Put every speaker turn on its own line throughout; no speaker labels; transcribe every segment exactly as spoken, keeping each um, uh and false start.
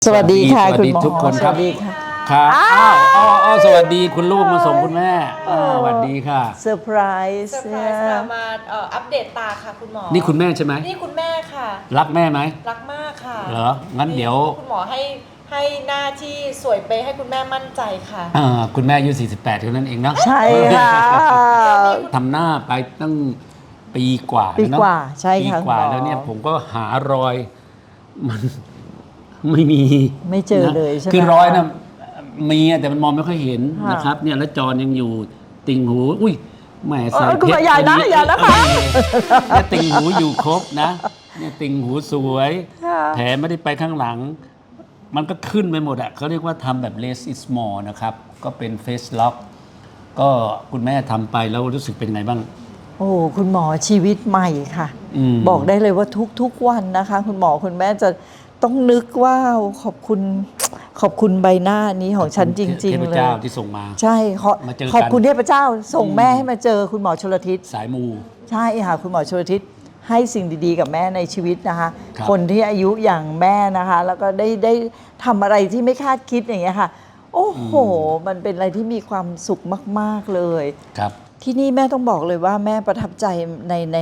สวัสดีค่ะคุณหมอ
ทุกคนครับ
สวัสดีค่ะ
ครับอ้าวอ้าวอ้าวสวัสดีคุณลูกมาส่งคุณแม่อ้าวสวัสดีค่ะ
เซอร์ไพรส์
เซอร์ไพรส์ค่ะมาเอ่ออัปเดตตาค่ะคุณหมอ
นี่คุณแม่ใช่ไหม
นี่คุณแม่ค่ะ
รักแม่ไหม
รักมากค่ะ
เหรองั้นเดี๋ยว
คุณหมอให้ให้หน้าที่สวยเป๊ะให้คุณแม่มั่นใจค่ะ
อ่าคุณแม่อายุสี่สิบแปดเท่านั้นเองเนาะ
ใช่ค่ะ
ทำหน้าไปตั้งปีกว่า
ปี
เนอะ
กว่าใช่ค่ะ
ปีกว่า
คุณหมอ
แล้วเนี่ยผมก็หารอยมันไม่มี
ไม่เจอเลย
นะ
ใช่ไหม
คือรอยนะมีแต่มันมองไม่ค่อยเห็น
ค่ะ
นะครับเนี่ยแล้วจอนยังอยู่ติ่งหูอุ้ยแหมใส่
เออคุณ
เพ
หม
ช
อ
ร
อย่านะ
ตรง
อย่านะคะ
เนี่ยติ่งหูอยู่ครบนะเนี่ยติ่งหูสวย
ค่ะ
แผลไม่ได้ไปข้างหลัง มันก็ขึ้นไปหมดอะเขาเรียกว่าทำแบบ less is more นะครับก็เป็น face lock ก็คุณแม่ทำไปแล้วรู้สึกเป็นไงบ้าง
โอ้คุณหมอชีวิตใหม่ค่ะ
อืม
บอกได้เลยว่าทุกๆวันนะคะ คุณหมอคุณแม่จะต้องนึกว่าขอบคุณขอบคุณใบหน้านี้ของฉันจริง
เท
ๆ
พ
เลย
เจ้าที่ส่งมา
ใช่ขอ
มาเจอกัน
ขอบคุณเทพเจ้า ส่งแม่ให้มาเจอคุณหมอชลทิศ
สายมู
ใช่ค่ะคุณหมอชลทิศให้สิ่งดีๆกับแม่ในชีวิตนะคะ
ครับ
คนที่อายุอย่างแม่นะคะ แล้วก็ได้ได้ทำอะไรที่ไม่คาดคิดอย่างเงี้ยค่ะ โอ้โห มันเป็นอะไรที่มีความสุขมากๆเลย
ครับ
ที่นี่แม่ต้องบอกเลยว่าแม่ประทับใจในใน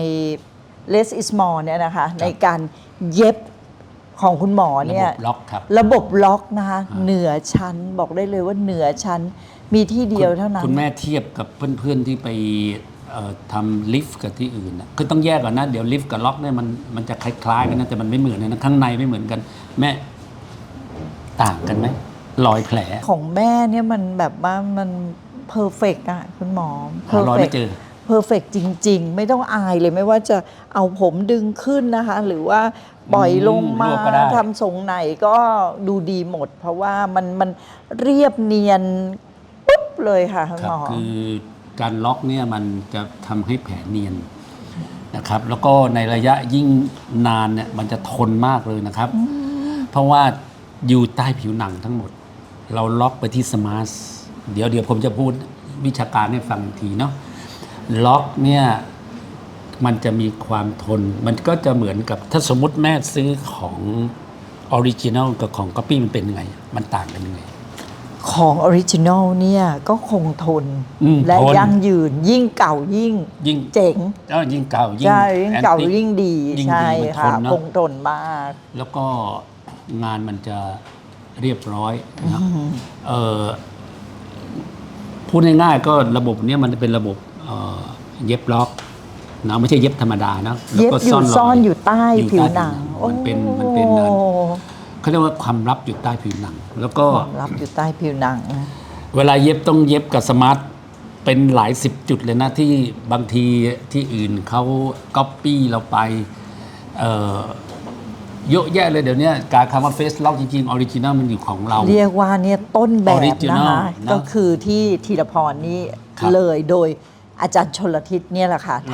less is more เนี่ยนะคะ ในการเย็บของคุณหมอ
ระ
เนี่
บ
ย
บล็อกครับ
ระบบล็อกนะคะ
อ่า
เหนือชั้นบอกได้เลยว่าเหนือชั้นมีที่เดียวเท่านั้น
คุณแม่เทียบกับเพื่อนๆที่ไปเอ่อทำลิฟต์กับที่อื่นนะคือต้องแยกก่อนนะ เดี๋ยวลิฟต์กับล็อกเนี่ยมันมันจะคล้ายๆกันนะแต่มันไม่เหมือนกันนะข้างในไม่เหมือนกัน แม่ต่างกันไหมรอยแผล
ของแม่เนี่ยมันแบบว่ามันเพอร์เฟกอะคุณหมอ
หารอยไม่เจอ
เพอร์เฟกจริง ๆ ไม่ต้องอายเลยไม่ว่าจะเอาผมดึงขึ้นนะคะ หรือว่าปล่อยลงมา
อืมรวบก็ได้
ทำทรงไหนก็ดูดีหมด เพราะว่ามันมันเรียบเนียนปุ๊บเลยค่ะคุณ
ครั
หม
บ
อ
คือการล็อกเนี่ยมันจะทำให้แผลเนียนนะครับ แล้วก็ในระยะยิ่งนานเนี่ยมันจะทนมากเลยนะครับ เพราะว่าอยู่ใต้ผิวหนังทั้งหมด เราล็อกไปที่สมาร์ทเดี๋ยวเดี๋ยวผมจะพูดวิชาการให้ฟังอีกทีเนาะล็อกเนี่ยมันจะมีความทน มันก็จะเหมือนกับถ้าสมมติแม่ซื้อของออริจินัลกับของก๊อปปี้มันเป็นยังไง มันต่างกันยังไง
ของออริจินอลเนี่ยก็คงทน
อืม
และ
ทน
ยั่งยืนยิ่งเก่ายิ่ง
ยิ่ง
เจ๋ง
เอ้ายิ่งเก่ายิ่ง
ใช่ยิ่งเก่า
แอนติ
ยิ่งดี
ยิ่ง
ใช่
ดีมันท
ค่ะ
นเนอะ
คงทนมาก
แล้วก็งานมันจะเรียบร้อยนะครับเอ่อพูดง่ายๆก็ระบบเนี้ยมันเป็นระบบเอ่อเย็บล็อกนะไม่ใช่เย็บธรรมดานะแล้ว
เย็บ
ก็
อยู่
ร
ซ่อนอยู่ใต้
อยู่
ผิว
ใต้
หนัง
มันเป็นมันเป็นนั้นเขาเรียกว่าความลับอยู่ใต้ผิวหนัง แล้วก็
ความลับอยู่ใต้ผิวหนัง
เวลาเย็บต้องเย็บกับสมาร์ทเป็นหลายสิบจุดเลยนะที่บางทีที่อื่นเขาก๊อปปี้เราไปเอ่อเยอะแยะเลยเดี๋ยวนี้การคำว่าเฟซล็อกจริงๆออริจินัลมันอยู่ของเรา
เรียกว่าเนี่ยต้นแบบ
Original
นะคะ
นะ
ก็คือที่ธีรพรนี่
ครับ
เลยโดยอาจารย์ชลทิศเนี่ยแหละค่ะ